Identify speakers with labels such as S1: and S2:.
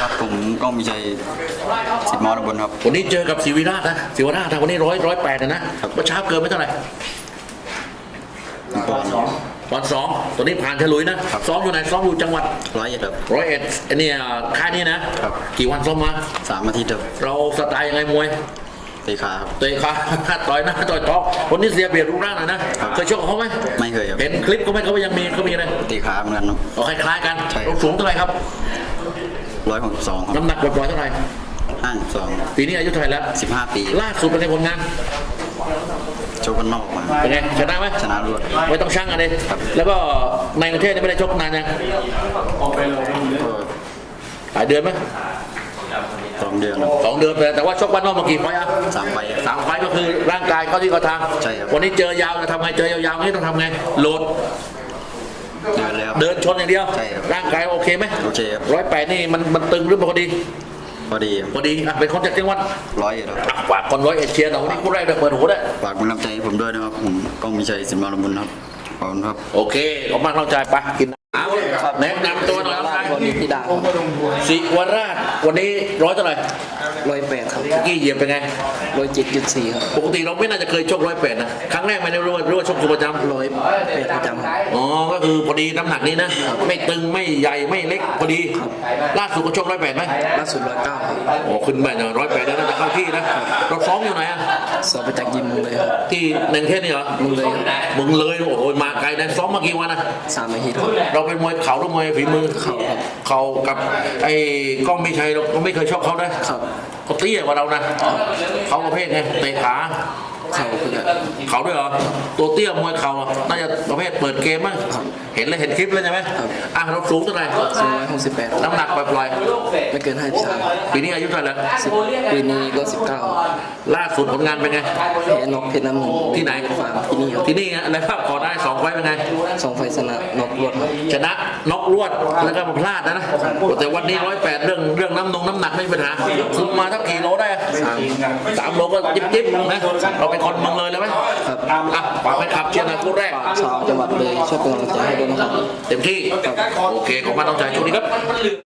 S1: ครับผมก้องมีชัยสิบมอระบนครับ
S2: วันนี้เจอกับศิวิราชนะศิวราชวันนี้108นะเมื่อเช้าเกินไม่เท่าไหร่
S1: ปอนด์
S2: 2ตัวนี้ผ่านฉลุยนะซ้อมอยู่ไหนซ้อมอยู่จังหวัด
S1: 101ครับ
S2: 101อันนี้ค่ายนี้นะครับกี่วันซ้อมมา
S1: 3 อาทิตย์ครับ
S2: เราสไตล์ยังไงมวย
S1: เตะขาครับ
S2: เตะขาต่อยหน้าต่อยท้องวันนี้เสียเปรียบรูปร่างหน่อยนะเคยชกกับเขาไหม
S1: ไม่เคยครับ
S2: เห็นคลิปเขายังมีอะไร
S1: เตะขาเหมือนกันครับ
S2: คล้ายๆกันเราสูงเท่าไหร่ครับ
S1: 162ครับ
S2: น้ำหนักปล่อยๆเท่าไหร่
S1: 52
S2: ปีนี้อายุเท่าไหร่แล้ว
S1: 15 ปี
S2: ล่าสุดเป็นไงผลงาน
S1: โชกกันนอกมา
S2: เป็นไงชนะไหม
S1: ชนะรวด
S2: ไม่ต้องชั่งกันเลยแล้วก็ในประเทศนี่ไม่ได้ชกนานยังหลายเดือนไหม
S1: 2 เดือน
S2: 2 เดือนแต่ว่าชกบ้านนอกมากี่ไฟล์อะ
S1: 3 ไฟล์
S2: 3 ไฟล์ก็คือร่างกายเข้าที่เข้าทาง
S1: ใช่ครับ
S2: วันนี้เจอยาวจะทำไงเจอยาวๆนี่ต้องทำไงโหลด
S1: เดินเลยครับ
S2: เดินชนอย่างเดียว
S1: ใช่ครับ
S2: ร่างกายโอเคไหม
S1: โอเคครับ
S2: 108นี่มันตึงหรือพอดีเป็นคนจากจังหวัด
S1: 101ครับ
S2: ฝากคน101เชียร์หน่อยวันนี้คู่แรกเปิดหูได้
S1: ฝากกำลังใจให้ผมด้วยนะครับผมก้องมีชัยสิบมอระบนครับขอบคุณครับ
S2: โอเคขอบคุณกำลังใจไปกินแนะนำตัวหน่อยครับ
S3: วันนี้พี่ดา
S2: ศิวราชวันนี้เท่าไหร่
S3: 108ครับ
S2: กี้เหยียบเป็นไง
S3: 107.4ครับ
S2: ปกติเราไม่น่าจะเคยชก108นะครั้งแรกไม่ได้รู้ว่าชกอยู่ประจำ
S3: 108ประจำครับ
S2: อ๋อก็คือพอดีน้ำหนักนี้นะไม่ตึงไม่ใหญ่ไม่เล็กพอดีล่าสุดก็ชก108ไหม
S3: ล่าสุด109ครับ
S2: โอ้ขึ้นไปเนาะ108แล้วน่าจะเข้าที่นะเราซ้อมอยู่ไหนอะ
S3: ซ้อมไปจากยิมมึงเลยครับ
S2: ที่ในประเทศนี่เหรอ
S3: มึงเลย
S2: โอ้โหมาไกลนะซ้อมมากี่วันนะ
S3: 3 อาทิตย์ครับ
S2: เราเป็นมวยเข่าหรือมวยฝีมือเข่ากับไอ้ก้องไม่ใช่เราไม่เคยชกเขานะเขาเตี้ยกว่าเรานะเขาประเภทไงเตะขาเขาด้วยเหรอตัวเตี้ยมวยเข่าน่าจะประเภทเปิดเกมมั้งเห็นคลิปแล้วใช่ไหมเราสูงเท่าไหร่
S3: 168
S2: น้ำหนักปล่อย
S3: ๆไม่เกิน53
S2: ปีนี้อายุเท่าไหร่แล้ว
S3: ปีนี้ก็19
S2: ล่าสุดผลงานเป็นไง
S3: แพ้น็อกเพชรน้ำหนึ่ง
S2: ที่ไหนที่นี่อะไรครับก่อนได้2 ไฟล์เป็นไง
S3: 2 ไฟล์ชนะน็อกรวด
S2: ชนะน็อกรวดแล้วก็มาพลาดนะแต่วันนี้108เรื่องน้ำหนักไม่มีปัญหาคุมมาทักกี่โลได้3 โลก็จิ๊บนะเราเป็นคนเมืองเลยไหม
S3: ครับ
S2: ฝากไปขับเชียร์นะคู่แรก
S3: ชาวจังหวัดเลยช่วยเป็นกำลังใจให้ด้วยนะครับ
S2: เต็มที่โอเคขอบคุณน้องชายช่วงนี้ครับ